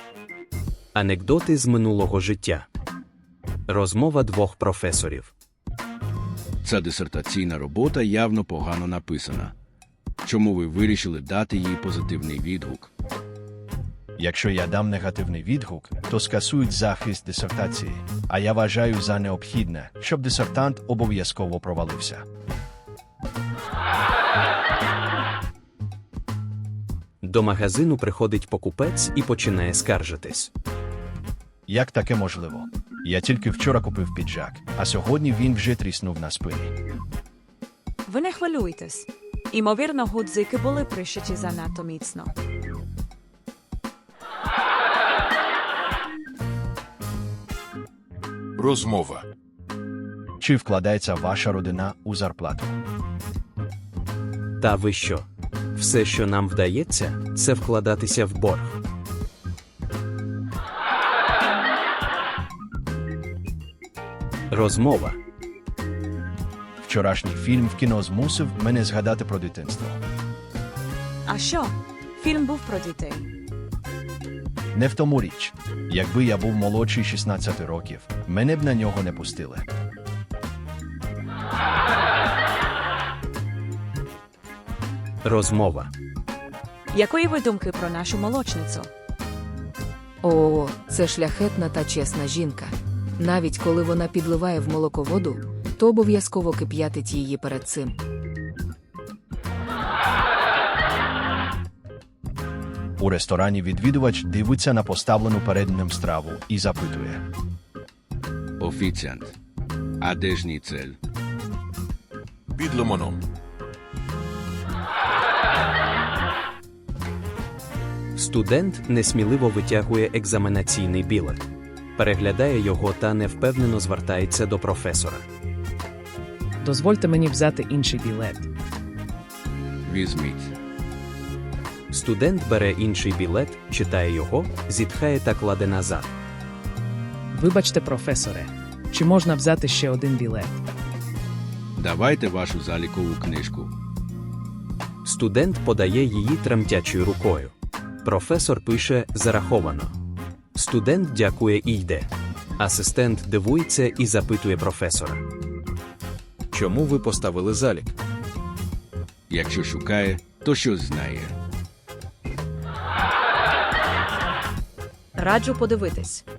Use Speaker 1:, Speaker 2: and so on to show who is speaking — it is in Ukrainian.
Speaker 1: Анекдоти з минулого життя. Розмова двох професорів.
Speaker 2: Ця дисертаційна робота явно погано написана. Чому ви вирішили дати їй позитивний відгук?
Speaker 3: Якщо я дам негативний відгук, то скасують захист дисертації, а я вважаю за необхідне, щоб дисертант обов'язково провалився.
Speaker 1: До магазину приходить покупець і починає скаржитись.
Speaker 3: Як таке можливо? Я тільки вчора купив піджак, а сьогодні він вже тріснув на спині.
Speaker 4: Ви не хвилюйтесь. Імовірно, гудзики були пришиті занадто міцно.
Speaker 5: Розмова.
Speaker 3: Чи вкладається ваша родина у зарплату?
Speaker 1: Та ви що? Все, що нам вдається, це вкладатися в борг. Розмова.
Speaker 3: Вчорашній фільм в кіно змусив мене згадати про дитинство.
Speaker 4: А що? Фільм був про дітей.
Speaker 3: Не в тому річ. Якби я був молодший 16 років, мене б на нього не пустили.
Speaker 1: Розмова.
Speaker 4: Якої ви думки про нашу молочницю?
Speaker 6: О, це шляхетна та чесна жінка. Навіть коли вона підливає в молоко воду, то обов'язково кип'ятить її перед цим.
Speaker 3: У ресторані відвідувач дивиться на поставлену перед ним страву і запитує.
Speaker 2: Офіціант. А де ж ніцель?
Speaker 5: Під лимоном.
Speaker 1: Студент несміливо витягує екзаменаційний білет. Переглядає його та невпевнено звертається до професора.
Speaker 7: Дозвольте мені взяти інший білет.
Speaker 2: Візьміть.
Speaker 1: Студент бере інший білет, читає його, зітхає та кладе назад.
Speaker 7: Вибачте, професоре, чи можна взяти ще один білет?
Speaker 2: Давайте вашу залікову книжку.
Speaker 1: Студент подає її тремтячою рукою. Професор пише «зараховано». Студент дякує і йде. Асистент дивується і запитує професора.
Speaker 8: Чому ви поставили залік?
Speaker 2: Якщо шукає, то щось знає.
Speaker 4: Раджу подивитись.